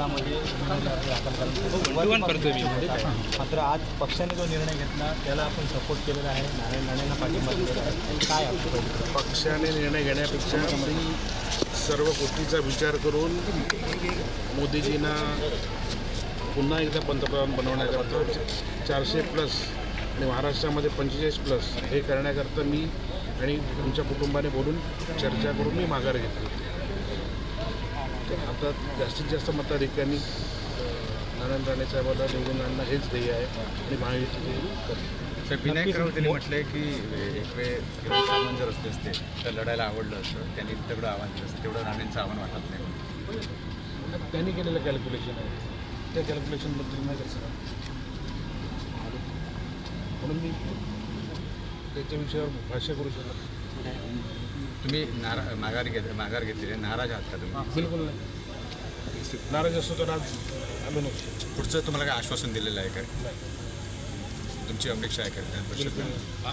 कोकणामध्ये दाखल करायला. मात्र आज पक्षाने जो निर्णय घेतला त्याला आपण सपोर्ट केलेला आहे, नारायण राणेंना पाठिंबा दिलेला आहे. काय आपलं पक्षाने निर्णय घेण्यापेक्षा सर्व गोष्टीचा विचार करून मोदीजींना पुन्हा एकदा पंतप्रधान बनवण्याकरता 400+ आणि महाराष्ट्रामध्ये 45+ हे करण्याकरता मी आणि तुमच्या कुटुंबाने बोलून चर्चा करून मी माघार घेतली. आता जास्तीत जास्त मताधिकांनी नारायण राणे साहेबांना निवडून आणणं हेच ध्येय आहे आणि महायुती करते. विनायक राऊत त्यांनी म्हटलंय की एक वेळ किरण सामंत जर असते तर लढायला आवडलं असतं, त्यांनी तेवढं आव्हान केलं असतं, तेवढं राणेंचं आव्हान वाटत नाही. त्यांनी केलेलं कॅल्क्युलेशन आहे, त्या कॅल्क्युलेशनबद्दल नाही कसं म्हणून मी त्याच्या विषयावर भाष्य करू शकत. तुम्ही माघार घेतलेली नाराज आहात का तुम्ही? बिलकुल नाही. नाराज असतो तर आज आलो नसतो. पुढचं तुम्हाला काय आश्वासन दिलेलं आहे काय? तुमची अपेक्षा आहे का?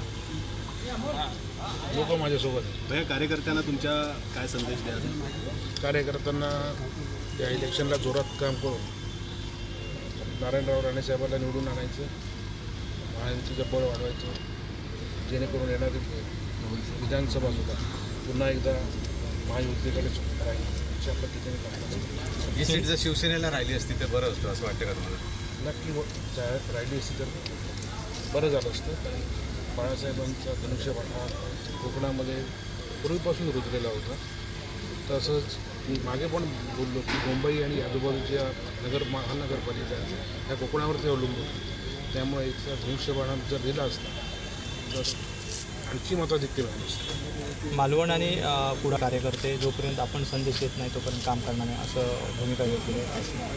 लोक माझ्यासोबत आहेत. कार्यकर्त्यांना तुमच्या काय संदेश द्या? कार्यकर्त्यांना या इलेक्शनला जोरात काम करून नारायणराव राणे साहेबांना निवडून आणायचं, महायुतीचं बळ वाढवायचं, जेणेकरून येणारी विधानसभा सुद्धा पुन्हा एकदा महायुतीकडे राहील अशा पद्धतीने काम. ही सीट जर शिवसेनेला राहिली असती तर बरं असतं असं वाटतं का तुम्हाला? नक्की राहिली असती तर बरं झालं असतं. कारण बाळासाहेबांचा धनुष्यबाण हा कोकणामध्ये पूर्वीपासून रुजलेला होता. तसंच मी मागे पण बोललो की मुंबई आणि आजूबाजूच्या महानगरपालिका ह्या कोकणावरती अवलंबून होती. त्यामुळे इथला धनुष्यबाण जर दिला असता तर आणखी मताधिक्य झालं असतं. मालवण आणि पुढे कार्यकर्ते जोपर्यंत आपण संदेश येत नाही तोपर्यंत काम करणार नाही असं भूमिका घेतली आहे.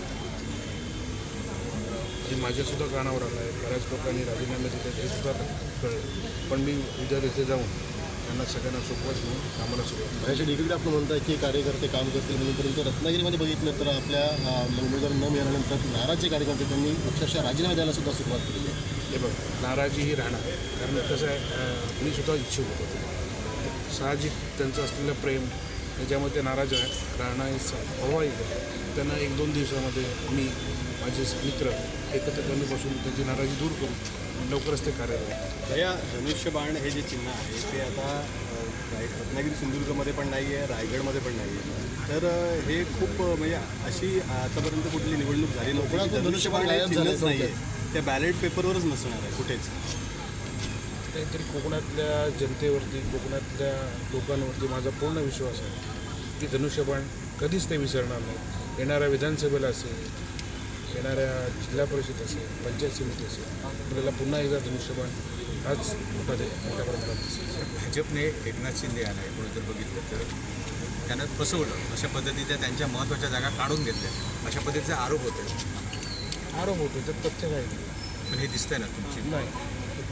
हे माझ्यासुद्धा कानावर आलं आहे. बऱ्याच लोकांनी राजीनामे दिले हे सुद्धा कळलं. पण मी उद्या तिथे जाऊन त्यांना सगळ्यांना सोपवत म्हणून कामाला सुरुवात. याच्या डिग्रीकडे आपण म्हणताय की कार्यकर्ते काम करतील म्हणून, परंतु रत्नागिरीमध्ये बघितलं तर आपल्या उमेदवार न मिळाल्यानंतर नाराजचे कार्यकर्ते त्यांनी अक्षरशः राजीनामे द्यायला सुद्धा सुरुवात केली आहे. हे बघ, नाराजी ही राहणार. कारण कसं आहे, मी सुद्धा इच्छुक होतो. साहजिक त्यांचं असलेलं प्रेम त्याच्यामध्ये ते नाराज राहणं हे स्वाभाविक आहे. त्यांना 1-2 दिवसामध्ये मी माझे मित्र एकत्र कमी बसून त्यांची नाराजी दूर करून लवकरच ते कार्यरत. या धनुष्यबाण हे जे चिन्ह आहे ते आता रत्नागिरी सिंधुदुर्गमध्ये पण नाही आहे, रायगडमध्ये पण नाही आहे. तर हे खूप म्हणजे अशी आतापर्यंत कुठली निवडणूक झाली नव्हती धनुष्यबाण चिन्हच नाही आहे, त्या बॅलेट पेपरवरच नसणार आहे कुठेच. काहीतरी कोकणातल्या जनतेवरती, कोकणातल्या लोकांवरती माझा पूर्ण विश्वास आहे की धनुष्यबाण कधीच ते विसरणार नाही. येणाऱ्या विधानसभेला असेल, येणाऱ्या जिल्हा परिषद असेल, पंचायत समिती असेल, आपल्याला पुन्हा एकदा धनुष्यबाण हाच मोठ्या प्रमाणात दिसेल. भाजपने एकनाथ शिंदे यांना एकूण जर बघितलं तर त्यांना फसवलं, अशा पद्धतीच्या त्यांच्या महत्त्वाच्या जागा काढून घेतल्या, अशा पद्धतीचे आरोप होते. आरोप होतो तर तथ्य काही नाही. पण हे दिसतंय ना तुमची नाही,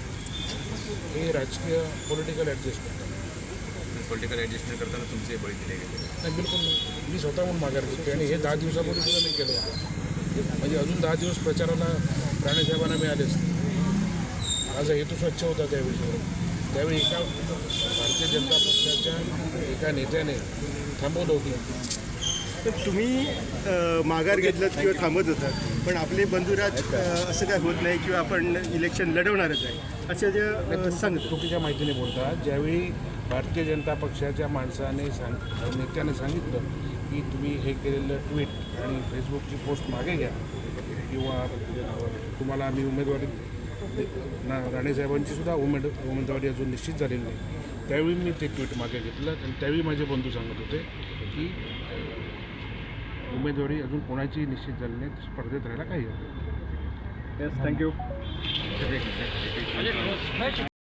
हे राजकीय पॉलिटिकल ॲडजस्टमेंट आहे. पॉलिटिकल ॲडजस्टमेंट करताना तुमचे बळी दिले गेले. नाही, बिलकुल नाही. मी स्वतःहून माघार घेतो आणि हे 10 दिवसापूर्वी सुद्धा मी केलं होतं. म्हणजे अजून 10 दिवस प्रचाराला राणेसाहेबांना मिळाले असते. माझा हेतू स्वच्छ होता त्या विषयावर. त्यावेळी एका भारतीय जनता पक्षाच्या एका नेत्याने थांबवलं होतं. तर तुम्ही माघार घेतलात किंवा थांबत होतात, पण आपले बंधुराज असं काय होत नाही किंवा आपण इलेक्शन लढवणारच आहे असं जे सांगतो. चुकीच्या माहितीने बोलतात. ज्यावेळी भारतीय जनता पक्षाच्या माणसाने नेत्याने सांगितलं की तुम्ही हे केलेलं ट्विट आणि फेसबुकची पोस्ट मागे घ्या किंवा तुम्हाला आम्ही उमेदवारी राणेसाहेबांची सुद्धा उमेदवारी अजून निश्चित झालेली नाही, त्यावेळी मी ते ट्विट मागे घेतलं. आणि त्यावेळी माझे बंधू सांगत होते की उमेदवारी अजून कोणाची निश्चित झाली नाही, स्पर्धेत राहायला काही हरकत नाही. थँक्यू.